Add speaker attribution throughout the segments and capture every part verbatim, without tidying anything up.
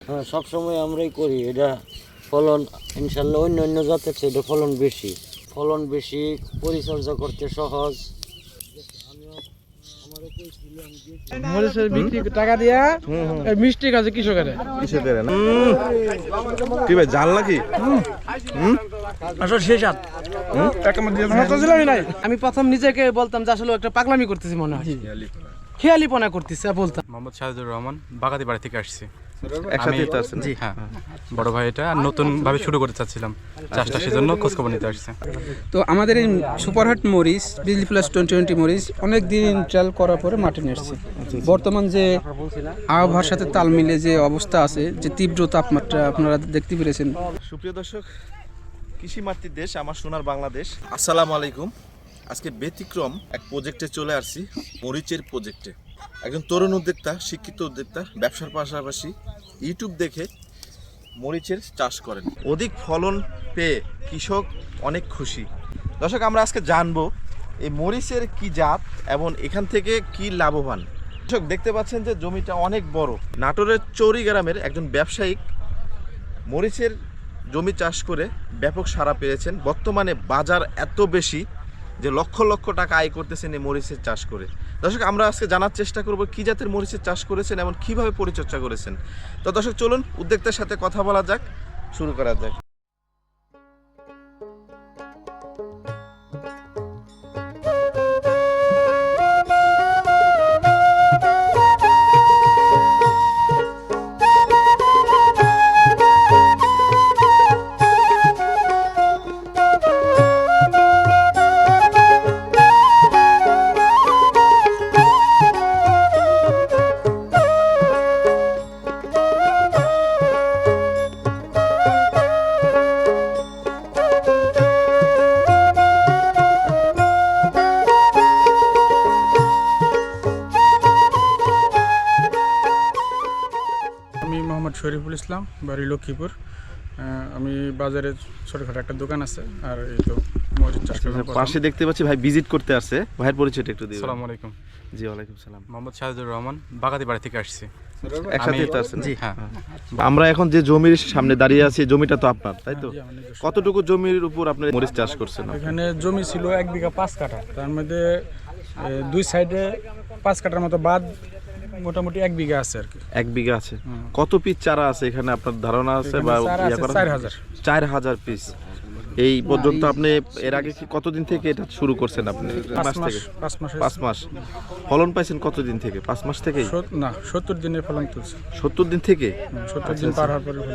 Speaker 1: হ্যাঁ, সবসময় আমরাই করি। এটা ফলন ইনশাল্লাহ অন্য অন্য জাতের চেয়ে এটা ফলন বেশি, ফলন বেশি, পরিচর্যা করতে সহজ।
Speaker 2: মরিচের বিক্রি টাকা দিয়া মিষ্টি কাজে কৃষকের
Speaker 3: কৃষকের কি ভাই জাল নাকি?
Speaker 2: আসলে শেষ আমি প্রথম নিজেকে বলতাম যে আসলে একটা পাগলামি করতেছি মনে হয়, খেয়ালিপনা করতেছি বলতাম।
Speaker 4: মোহাম্মদ শাহিদুর রহমান, বাগাতি বাড়ি থেকে আসছি।
Speaker 3: একসাথে তো আছেন?
Speaker 4: জি হ্যাঁ, বড় ভাই এটা নতুন ভাবে শুরু করতে চাচ্ছিলাম চাষটা, সেজন্য খোঁজখবর নিতে আসছে।
Speaker 5: তো আমাদের এই সুপারহাট মরিচ বিজলি প্লাস টোয়েন্টি টোয়েন্টি মরিচ অনেক দিন ট্রায়াল করার পরে মাঠে নিয়ে এসেছি। বর্তমান যে আবহাওয়ার সাথে তাল মিলে যে অবস্থা আছে, যে তীব্র তাপমাত্রা আপনারা দেখতে পেরেছেন।
Speaker 3: সুপ্রিয় দর্শক, কৃষি মাতৃক দেশ আমার সোনার বাংলাদেশ, আসসালামু আলাইকুম। আজকে ব্যতিক্রম এক প্রজেক্টে চলে আসছি, মরিচের প্রজেক্টে। একজন তরুণ উদ্যোক্তা, শিক্ষিত উদ্যোক্তা, ব্যবসার পাশাপাশি ইউটিউব দেখে মরিচের চাষ করেন। অধিক ফলন পেয়ে কৃষক অনেক খুশি। দর্শক, আমরা আজকে জানবো এই মরিচের কি জাত এবং এখান থেকে কি লাভবান। দর্শক, দেখতে পাচ্ছেন যে জমিটা অনেক বড়। নাটোরের চৌরি গ্রামের একজন ব্যবসায়িক মরিচের জমি চাষ করে ব্যাপক সাড়া পেয়েছেন। বর্তমানে বাজার এত বেশি যে লক্ষ লক্ষ টাকা আয় করতেছেন এই মরিচের চাষ করে। দর্শক, আমরা আজকে জানার চেষ্টা করব কি জাতের মরিচের চাষ করেছেন এবং কিভাবে পরিচর্যা করেছেন। তো দর্শক, চলুন উদ্যোক্তার সাথে কথা বলা যাক, শুরু করা যাক।
Speaker 2: শরীফুল ইসলাম, বাড়ি লক্ষ্মীপুর। আমি বাজারে ছোটখাটো একটা দোকান আছে, আর এই তো মরিচ চাষ করলাম।
Speaker 3: পাশে দেখতে পাচ্ছি ভাই ভিজিট করতে আসছে, ভাইয়ের পরিচয়টা একটু দিন।
Speaker 4: আসসালামু আলাইকুম।
Speaker 3: জি ওয়ালাইকুম সালাম।
Speaker 4: মোহাম্মদ শাহিদুর রহমান, বাগাতি বাড়ি থেকে আসছি।
Speaker 3: একসাথে তো আছেন?
Speaker 4: জি হ্যাঁ।
Speaker 3: আমরা এখন যে জমির সামনে দাঁড়িয়ে আছি, জমিটা তো আপনার, তাই তো? কতটুকু জমির উপর আপনি মরিচ চাষ করছেন?
Speaker 2: এখানে জমি ছিল এক বিঘা পাঁচ কাঠা, তার মধ্যে দুই সাইডে পাঁচ কাঠার মতো বাদ মোটামুটি এক বিঘা আছে আর কি।
Speaker 3: এক বিঘা আছে। কত পিস চারা আছে এখানে আপনার ধারণা আছে? বা
Speaker 2: চার হাজার
Speaker 3: চার হাজার পিস এই পর্যন্ত। আপনি এর আগে কি কতদিন থেকে এটা শুরু করছেন? আপনি মাস থেকে? পাঁচ মাস। ফলন পাইছেন কতদিন থেকে? পাঁচ মাস থেকে
Speaker 2: না, সত্তর দিনে ফলন তুলছে।
Speaker 3: সত্তর দিন থেকে?
Speaker 2: সত্তর দিন পার হওয়ার পরে ফলন।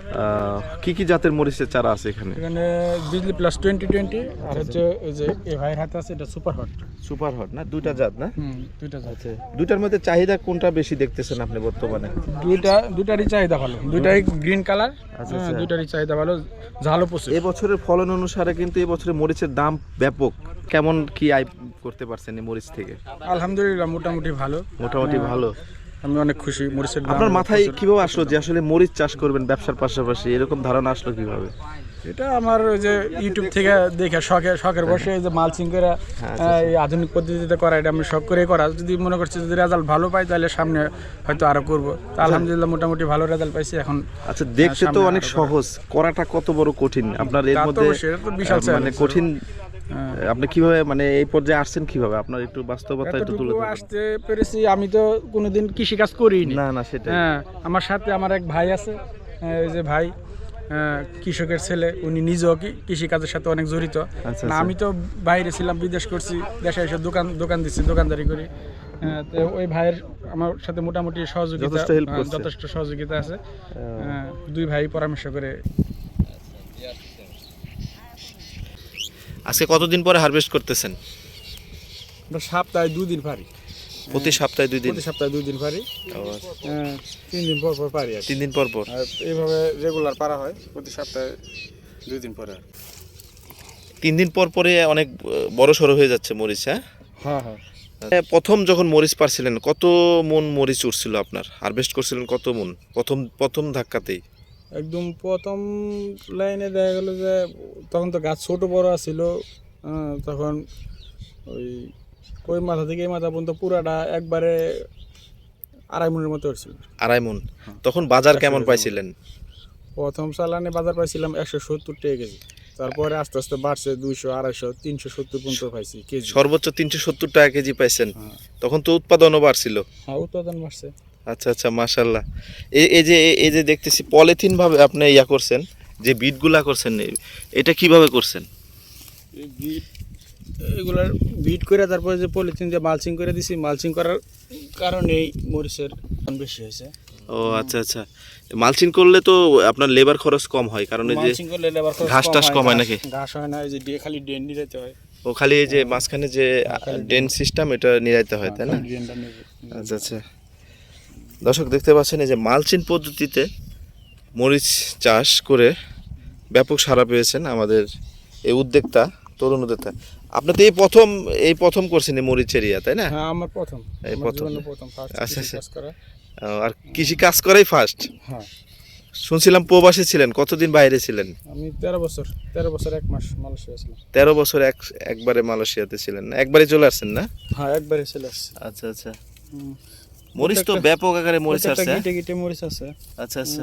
Speaker 3: কি কি জাতের মরিচের চারা আছে এখানে?
Speaker 2: এখানে বিজলি প্লাস টোয়েন্টি টোয়েন্টি আর হচ্ছে এই যে এই ভাইয়ের হাতে আছে, এটা সুপার হট।
Speaker 3: সুপার হট না? দুইটা জাত না?
Speaker 2: হুম, দুইটা জাত।
Speaker 3: দুইটার মধ্যে চাহিদা কোনটা বেশি দেখতেছেন আপনি বর্তমানে?
Speaker 2: দুইটা দুইটারই চাহিদা ভালো, দুইটাই গ্রিন কালার, দুইটারই চাহিদা ভালো, ঝালও প্রচুর।
Speaker 3: এই বছরের ফলন অনুসারে কিন্তু এই বছরে মরিচের দাম ব্যাপক। কেমন কি আয় করতে পারছেন এই মরিচ থেকে?
Speaker 2: আলহামদুলিল্লাহ মোটামুটি ভালো।
Speaker 3: মোটামুটি ভালো।
Speaker 2: আমি অনেক খুশি মরিচের।
Speaker 3: আপনার মাথায় কিভাবে আসলো যে আসলে মরিচ চাষ করবেন ব্যবসার পাশাপাশি? এরকম ধারণা আসলো কিভাবে?
Speaker 2: এটা আমার ওই যে ইউটিউব থেকে দেখে শখে শখের বসে এই যে মালচিং করে এই আধুনিক পদ্ধতিতে করা, এটা আমি শখ করে করা। যদি মনে করছি যদি রেজাল্ট ভালো পাই তাহলে সামনে হয়তো আরো করবো। তা আলহামদুলিল্লাহ মোটামুটি ভালো রেজাল্ট পাইছি এখন।
Speaker 3: আচ্ছা, দেখতে তো অনেক সহজ, করাটা কত বড় কঠিন আপনার এর মধ্যে?
Speaker 2: বিশাল
Speaker 3: মানে কঠিন। আপনি কিভাবে মানে এই পর্যায়ে আসছেন কিভাবে? আপনার একটু বাস্তবতা একটু তুলে ধরুন।
Speaker 2: আসতে পেরেছি, আমি তো কোনোদিন কৃষি কাজ করিনি।
Speaker 3: না না সেটা।
Speaker 2: হ্যাঁ, আমার সাথে আমার এক ভাই আছে, এই যে ভাই কৃষকের ছেলে, উনি নিজেও কৃষি কাজের সাথে অনেক জড়িত। না, আমি তো বাইরে ছিলাম, বিদেশ করছি, দেশে এসে দোকান দোকান দিচ্ছি, দোকানদারি করি। তো ওই ভাইয়ের আমার সাথে মোটামুটি সহযোগিতা, যথেষ্ট সহযোগিতা আছে। দুই ভাই পরামর্শ করে।
Speaker 3: আজকে কতদিন পরে হারভেস্ট করতেছেন?
Speaker 2: সপ্তাহে দুই দিন পারি।
Speaker 3: প্রতি সপ্তাহে দুই দিন?
Speaker 2: প্রতি সপ্তাহে দুই দিন পারি, তিন দিন পর পর পারি।
Speaker 3: তিন দিন পর পর
Speaker 2: এইভাবে রেগুলার পারা হয়, প্রতি সপ্তাহে দুই দিন পরে।
Speaker 3: তিন দিন পর পরে অনেক বড় সড়ো হয়ে যাচ্ছে মরিচ। হ্যাঁ
Speaker 2: হ্যাঁ হ্যাঁ।
Speaker 3: প্রথম যখন মরিচ পারছিলেন কত মন মরিচ উঠছিল আপনার? হারভেস্ট করছিলেন কত মন প্রথম প্রথম ধাক্কাতেই?
Speaker 2: একদম প্রথম লাইনে দেখা গেল যে তখন তো গাছ ছোট বড় ছিল, তখন ওই ওই মাথা থেকে এই মাথা পর্যন্ত পুরাটা একবারে আড়াই মনের মতো হচ্ছিল।
Speaker 3: আড়াই মন। তখন বাজার কেমন পাইছিলেন?
Speaker 2: প্রথম চালানে বাজার পাইছিলাম একশো সত্তর টাকা কেজি, তারপরে আস্তে আস্তে বাড়ছে দুইশো আড়াইশো তিনশো সত্তর পর্যন্ত পাইছি কেজি।
Speaker 3: সর্বোচ্চ তিনশো সত্তর টাকা কেজি পাইছেন।
Speaker 2: হ্যাঁ।
Speaker 3: তখন তো উৎপাদনও বাড়ছিল।
Speaker 2: হ্যাঁ, উৎপাদন বাড়ছে।
Speaker 3: আচ্ছা আচ্ছা, মাশাল্লাহ। এই এই যে এই যে দেখতেছি পলিথিন ভাবে আপনি ইয়া করছেন, যে বিটগুলা করছেন, এটা কিভাবে করছেন?
Speaker 2: এই বিট এগুলার বিট করে তারপরে যে পলিথিন দিয়ে মালচিং করে দিছি, মালচিং করার কারণে এই মরিচের দাম বেশি হয়েছে।
Speaker 3: ও আচ্ছা আচ্ছা, মালচিং করলে তো আপনার লেবার খরচ কম হয়, কারণ এই যে
Speaker 2: মালচিং করলে লেবার খরচ
Speaker 3: ঘাস
Speaker 2: কম
Speaker 3: টাস
Speaker 2: হয়,
Speaker 3: কম হয়
Speaker 2: ঘাস-
Speaker 3: নাকি?
Speaker 2: ঘাস হয় না, এই যে ডে- খালি ড্রেন নিতে হয়।
Speaker 3: ও খালি এই যে মাঝখানে যে ড্রেন সিস্টেম এটা নিরাইতে হয়, তাই না?
Speaker 2: ড্রেনটা নেবে।
Speaker 3: আচ্ছা আচ্ছা, দর্শক দেখতে পাচ্ছেন এই যে মালচিং পদ্ধতিতে মরিচ চাষ করে ব্যাপক সাড়া পেয়েছেন আমাদের এই উদ্যোক্তা, তরুণ উদ্যোক্তা। আপনি তো এই প্রথম এই প্রথম করছেন এই মরিচ এরিয়া, তাই না?
Speaker 2: হ্যাঁ, আমার প্রথম
Speaker 3: এই
Speaker 2: আমার
Speaker 3: প্রথম।
Speaker 2: জীবনে প্রথম ফার্স্ট
Speaker 3: আচ্ছা, আচ্ছা।
Speaker 2: কাজ করা।
Speaker 3: ও, আর কৃষি কাজ করাই ফার্স্ট?
Speaker 2: হ্যাঁ,
Speaker 3: শুনছিলাম প্রবাসী ছিলেন, কতদিন বাইরে ছিলেন?
Speaker 2: আমি তেরো বছর তেরো বছর এক মাস মালয়েশিয়া ছিলাম।
Speaker 3: তেরো বছর এক একবারে মালয়েশিয়াতে ছিলেন না? একবারে চলে আসছেন না?
Speaker 2: হ্যাঁ, একবারে চলে আসছে।
Speaker 3: আচ্ছা আচ্ছা, মরিচ তো ব্যাপক আকারে মরিচ আছে।
Speaker 2: গিটে গিটে মরিচ আছে।
Speaker 3: আচ্ছা আচ্ছা,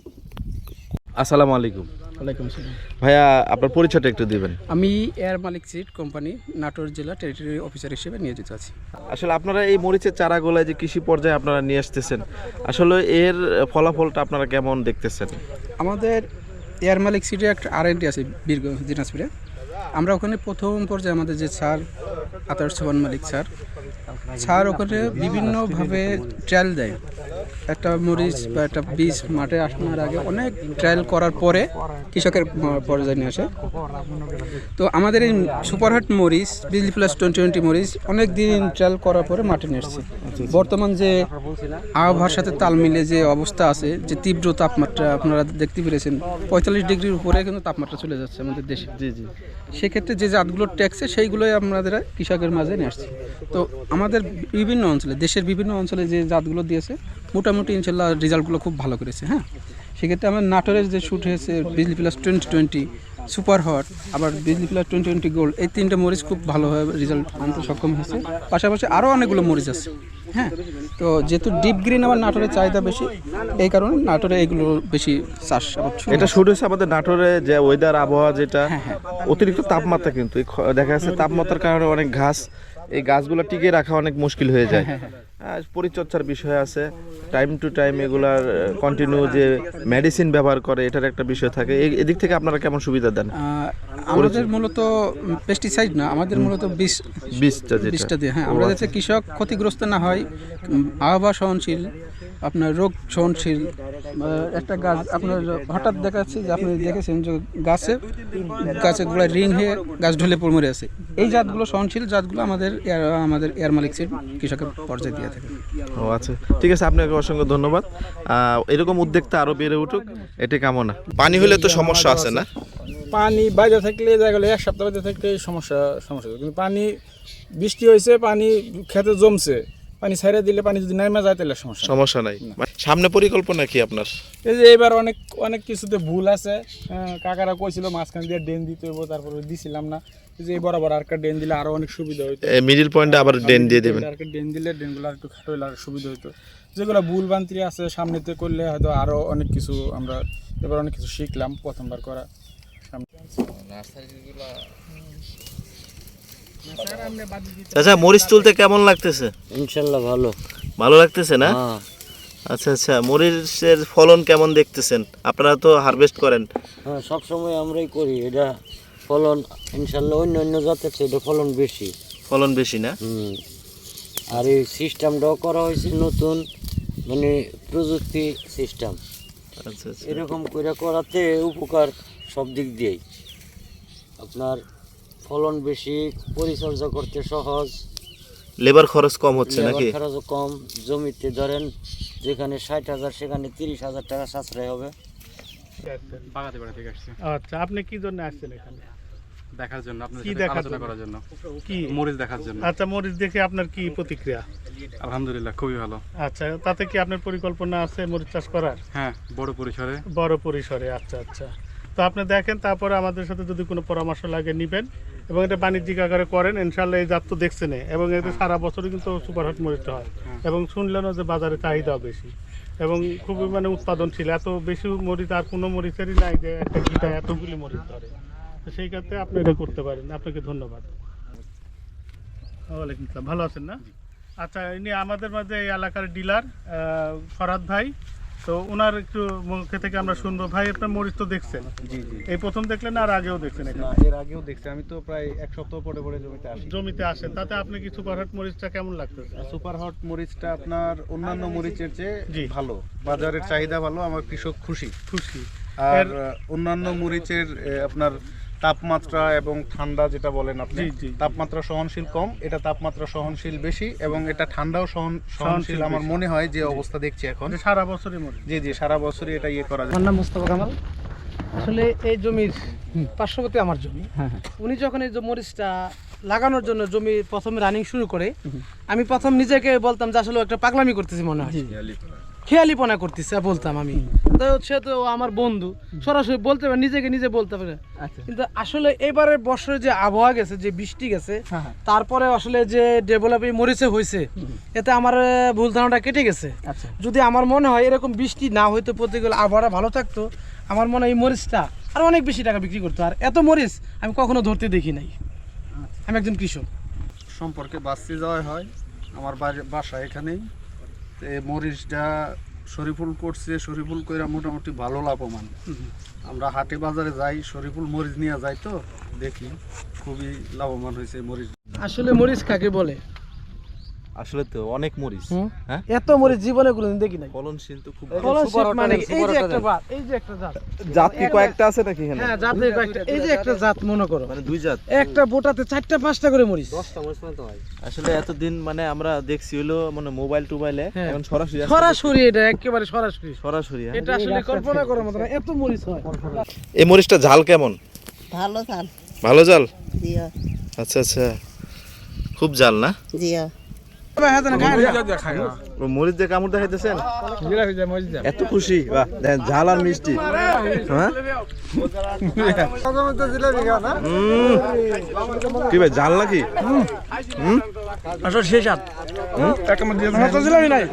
Speaker 3: আসসালামু আলাইকুম
Speaker 2: ওয়ালাইকুম আসসালাম।
Speaker 3: ভাইয়া, আপনার পরিচয়টা একটু দিবেন।
Speaker 5: আমি A R Malik seed company Natore জেলা টেরিটরি অফিসার হিসেবে নিয়োজিত আছি।
Speaker 3: আসলে আপনারা এই মরিচের চারাগুলায় যে কৃষি পর্যায়ে আপনারা নিয়ে আসতেছেন, আসলে এর ফলাফলটা আপনারা কেমন দেখতেছেন?
Speaker 5: আমাদের এয়ার মালিক সিডে একটা আর এন ডি আছে বীরগঞ্জ দিনাজপুরে। আমরা ওখানে প্রথম পর্যায়ে আমাদের যে স্যার আতার সোহান মালিক স্যার স্যার ওখানে বিভিন্নভাবে ট্রায়াল দেয়। একটা মরিচ বা একটা বীজ মাঠে আসানোর আগে অনেক ট্রায়াল করার পরে কৃষকের পর্যায়ে নিয়ে আসে। তো আমাদের এই সুপারহাট মরিচ বিজলি প্লাস টোয়েন্টি টোয়েন্টি মরিচ অনেক দিন ট্রায়াল করার পরে মাঠে নিয়ে এসছে। বর্তমান যে আবহাওয়ার সাথে তাল মিলে যে অবস্থা আছে, যে তীব্র তাপমাত্রা আপনারা দেখতে পেরেছেন, পঁয়তাল্লিশ ডিগ্রির উপরে কিন্তু তাপমাত্রা চলে যাচ্ছে আমাদের দেশে।
Speaker 3: জি জি,
Speaker 5: সেক্ষেত্রে যে জাতগুলো ট্যাক্সে সেইগুলোই আমাদের কৃষকের মাঝে নিয়ে আসছে। তো আমাদের বিভিন্ন অঞ্চলে, দেশের বিভিন্ন অঞ্চলে যে জাতগুলো দিয়েছে মোটামুটি ইনশাল্লাহ রেজাল্টগুলো খুব ভালো করেছে। হ্যাঁ, সেক্ষেত্রে আমার নাটোরের যে শ্যুট হয়েছে Bijli plus twenty twenty super hot, আবার Bijli plus twenty twenty gold, এই তিনটে মরিচ খুব ভালোভাবে রেজাল্ট আনতে সক্ষম হয়েছে। পাশাপাশি আরও অনেকগুলো মরিচ আছে। হ্যাঁ, তো যেহেতু ডিপ গ্রিন আমার নাটোরের চাহিদা বেশি, এই কারণে নাটোরে এগুলো বেশি চাষ আবার শুরু
Speaker 3: এটা শুরু হয়েছে আমাদের নাটোরে যে ওয়েদার আবহাওয়া, যেটা
Speaker 5: হ্যাঁ, হ্যাঁ।
Speaker 3: অতিরিক্ত তাপমাত্রা, কিন্তু এই খ- দেখা যাচ্ছে তাপমাত্রার কারণে অনেক ঘাস, এই গাছগুলো টিকিয়ে রাখা অনেক মুশকিল হয়ে যায়। আর পরিচর্যার বিষয় আছে, টাইম টু টাইম এগুলার কন্টিনিউ যে মেডিসিন ব্যবহার করে, এটার একটা বিষয় থাকে। এই- এদিক থেকে আপনারা কেমন সুবিধা দেন?
Speaker 5: আহ, আমাদের মূলত পেস্টিসাইড না, আমাদের মূলত বিষ
Speaker 3: বীজটা যেটা
Speaker 5: বীজটা দিয়ে, হ্যাঁ, আমরা যাতে কৃষক ক্ষতিগ্রস্ত না হয়, উম, আবহাওয়া সহনশীল, আপনার রোগ সহনশীল। আহ, একটা গাছ আপনার হঠাৎ দেখা যাচ্ছে যে আপনি দেখেছেন যে গাছে গাছে গোড়ায় রিং হয়ে গাছ ঢলে পড়ে মরে আছে, এই জাতগুলো সহনশীল জাতগুলো আমাদের এয়ার আমাদের এয়ার মালিক সিড কৃষকের পর্যায়ে দিয়ে থাকে।
Speaker 3: ও আচ্ছা, ঠিক আছে, আপনাকে অসংখ্য ধন্যবাদ। আহ, এরকম উদ্যোক্তা আরো বেড়ে উঠুক, এটা কামনা। পানি হলে তো সমস্যা আছে না?
Speaker 2: পানি বাইরে থাকলে দেখা গেলো এক সপ্তাহ বাইরে থাকলে সমস্যা সমস্যা হতো। কিন্তু পানি বৃষ্টি হয়েছে, পানি খেতে জমছে, পানি ছাইড়া দিলে পানি যদি নাইমা যায় তাহলে সমস্যা নেই।
Speaker 3: সমস্যা নাই। সামনে পরিকল্পনা কি আপনার?
Speaker 2: এই যে এবার অনেক অনেক কিছুতে ভুল আছে। হ্যাঁ, কাকারা কইছিল মাঝখান দিয়ে ড্রেন দিতে হইব, তারপরে দিছিলাম না। এই যে এই বরাবর আর একটা ড্রেন দিলে আরো অনেক সুবিধা হইতো।
Speaker 3: মিডিল পয়েন্টে আবার ড্রেন দিয়ে দেবেন।
Speaker 2: আর একটা ড্রেন দিলে ড্রেনগুলো আর একটু খাটো হইলে আর সুবিধা হইতো। যেগুলো ভুল বান্তি আছে সামনেতে করলে হয়তো আরো অনেক কিছু আমরা এবার অনেক কিছু শিখলাম প্রথমবার করা।
Speaker 3: আচ্ছা, মরিচ তুলতে কেমন লাগতেছে?
Speaker 1: ইনশাল্লাহ ভালো।
Speaker 3: ভালো লাগতেছে না?
Speaker 1: হ্যাঁ,
Speaker 3: আচ্ছা আচ্ছা, মরিচের ফলন কেমন দেখতেছেন? আপনারা তো হারভেস্ট করেন।
Speaker 1: হ্যাঁ, সবসময় আমরাই করি। এটা ফলন ইনশাল্লাহ অন্য অন্য জাতের চেয়ে এটা ফলন বেশি।
Speaker 3: ফলন বেশি না?
Speaker 1: হুম, আর এই সিস্টেমটাও করা হয়েছে নতুন, মানে প্রযুক্তি সিস্টেম।
Speaker 3: আচ্ছা আচ্ছা,
Speaker 1: এরকম করে করাতে উপকার সব দিক দিয়েই। আপনার ফলন বেশি, পরিচর্যা করতে সহজ,
Speaker 3: লেবার খরচ কম হচ্ছে
Speaker 1: লেবার
Speaker 3: নাকি?
Speaker 1: খরচও কম। জমিতে ধরেন যেখানে ষাট হাজার সেখানে তিরিশ হাজার টাকা সাশ্রয় হবে।
Speaker 4: বাগাতে বাড়া থেকে আসছি
Speaker 2: আচ্ছা, আপনি কি জন্য আসছেন এখানে?
Speaker 4: দেখার জন্য, আপনাদের
Speaker 2: কি
Speaker 4: সাথে
Speaker 2: দেখার
Speaker 4: আলোচনা
Speaker 2: জন্য?
Speaker 4: করার জন্য,
Speaker 2: কি?
Speaker 4: মরিচ দেখার জন্য।
Speaker 2: আচ্ছা, মরিচ দেখে আপনার কি প্রতিক্রিয়া?
Speaker 4: আলহামদুলিল্লাহ, খুবই ভালো।
Speaker 2: আচ্ছা, তাতে কি আপনার পরিকল্পনা আছে মরিচ চাষ করার?
Speaker 4: হ্যাঁ, বড় পরিসরে।
Speaker 2: বড় পরিসরে। আচ্ছা আচ্ছা,
Speaker 6: তো আপনি দেখেন, তারপরে আমাদের সাথে যদি কোনো পরামর্শ লাগে নেবেন এবং এটা বাণিজ্যিক আকারে করেন, ইনশাল্লাহ এই জাত তো দেখছেন এবং এটা সারা বছরই কিন্তু সুপারহট মরিচটা হয় এবং শুনলেনও যে বাজারে চাহিদাও বেশি এবং খুবই মানে উৎপাদনশীল। এত বেশি মরিচ আর কোনো মরিচেরই নাই যে একটা গিটা এতগুলি মরিচ ধরে। তো সেই ক্ষেত্রে আপনি এটা করতে পারেন। আপনাকে ধন্যবাদ। ওয়ালাইকুম আসসালাম, ভালো আছেন না? আচ্ছা, ইনি আমাদের মাঝে এই এলাকার ডিলার ফরহাদ ভাই। তো ওনার একটু মুখে থেকে আমরা শুনবো। ভাই, আপনার মরিচ তো দেখছেন?
Speaker 7: জি জি।
Speaker 6: এই প্রথম দেখলেন আর আগেও দেখছেন?
Speaker 7: না, এর আগেও দেখছি। আমি তো প্রায় এক সপ্তাহ পরে পরে জমিতে আসি।
Speaker 6: জমিতে আসেন, তাতে আপনি কি সুপারহট মরিচটা কেমন লাগতেছে?
Speaker 7: সুপার হট মরিচটা আপনার অন্যান্য মরিচের
Speaker 6: জি।
Speaker 7: চেয়ে ভালো, বাজারের চাহিদা ভালো, আমার কৃষক খুশি।
Speaker 6: খুশি।
Speaker 7: আর অন্যান্য মরিচের এ, আপনার তাপমাত্রা এবং ঠান্ডা যেটা বলেন আপনি,
Speaker 6: জি, জি।
Speaker 7: তাপমাত্রা সহনশীল কম, এটা তাপমাত্রা সহনশীল বেশি এবং এটা ঠান্ডাও সহন
Speaker 6: সহনশীল
Speaker 7: সহনশীল আমার
Speaker 6: বেশি।
Speaker 7: মনে হয় যে অবস্থা দেখছি এখন।
Speaker 6: এটা সারা বছরই মরিচ।
Speaker 7: জি জি, সারা বছরই এটা ইয়ে করা যায়।
Speaker 8: আমার নাম মোস্তফা কামাল। আসলে এই জমির পার্শ্ববর্তী আমার জমি। উনি যখন এই যে মরিচটা লাগানোর জন্য জমি প্রথমে রানিং শুরু করে, আমি প্রথম নিজেকে বলতাম যে আসলে ও একটা পাগলামি করতেছি মনে হয়, খেয়ালিপনা করতেছে বলতাম আমি। তো সে তো আমার বন্ধু, সরাসরি বলতে পারে, নিজেকে নিজে বলতে পারে। কিন্তু আসলে এবারে বছরে যে আবহাওয়া গেছে, যে বৃষ্টি গেছে, তারপরে আসলে যে ডেভেলপ এই মরিচে হয়েছে, এতে আমার ভুল ধারণাটা কেটে গেছে। যদি আমার মনে হয় এরকম বৃষ্টি না হইতো, প্রতিকূল আবহাওয়া ভালো থাকতো, আমার মনে হয় এই মরিচটা আর অনেক বেশি টাকা বিক্রি করতো। আর এত মরিচ আমি কখনো ধরতে দেখি নাই। আমি একজন কৃষক।
Speaker 7: সম্পর্কে বাঁচতে যাওয়া হয়, আমার বাড়ি- বাসা এখানেই। তো এই মরিচটা শরীফুল করছে, শরীফুল কইরা মোটামুটি ভালো লাভবান। আমরা হাটে বাজারে যাই, শরীফুল মরিচ নিয়ে যাই, তো দেখি খুবই লাভবান হয়েছে এই মরিচ।
Speaker 8: আসলে মরিচ কাকে বলে?
Speaker 3: আসলে তো অনেক মরিচ, হ্যাঁ
Speaker 8: এত মরিচ জীবনে কোনোদিন দেখি নাই।
Speaker 3: ফলনশীল তো খুব
Speaker 8: ফলনশীল মানে এই যে একটা জাত, এই যে একটা জাত।
Speaker 3: জাত কি কয়েকটা আছে নাকি এখানে?
Speaker 8: হ্যাঁ, জাতের কয়েকটা। এই যে একটা জাত মনে করো,
Speaker 3: মানে দুই জাত।
Speaker 8: একটা বোটাতে চারটা পাঁচটা করে মরিচ।
Speaker 3: আসলে এতদিন মানে আমরা দেখছি হলো মানে মোবাইল টোবাইলে,
Speaker 8: হ্যাঁ।
Speaker 3: এখন সরাসরি আসলে
Speaker 8: সরাসরি, এটা একেবারে সরাসরি।
Speaker 3: সরাসরি হ্যাঁ।
Speaker 8: এটা আসলে কল্পনা করার মতো না, এত মরিচ হয়।
Speaker 3: এই মরিচটা ঝাল কেমন?
Speaker 9: ভালো ধান।
Speaker 3: ভালো জাল?
Speaker 9: জিয়া
Speaker 3: আচ্ছা আচ্ছা, খুব জাল না?
Speaker 9: জিয়া
Speaker 3: ও মরিচ দিয়ে কামড় দেখাইতেছেন? এত খুশি? বাহ, দেখেন ঝাল আর মিষ্টি। হ্যাঁ উম, কি ভাই, ঝাল নাকি? হুম,
Speaker 2: আসলে শেষ হাত জিলাপি নাই।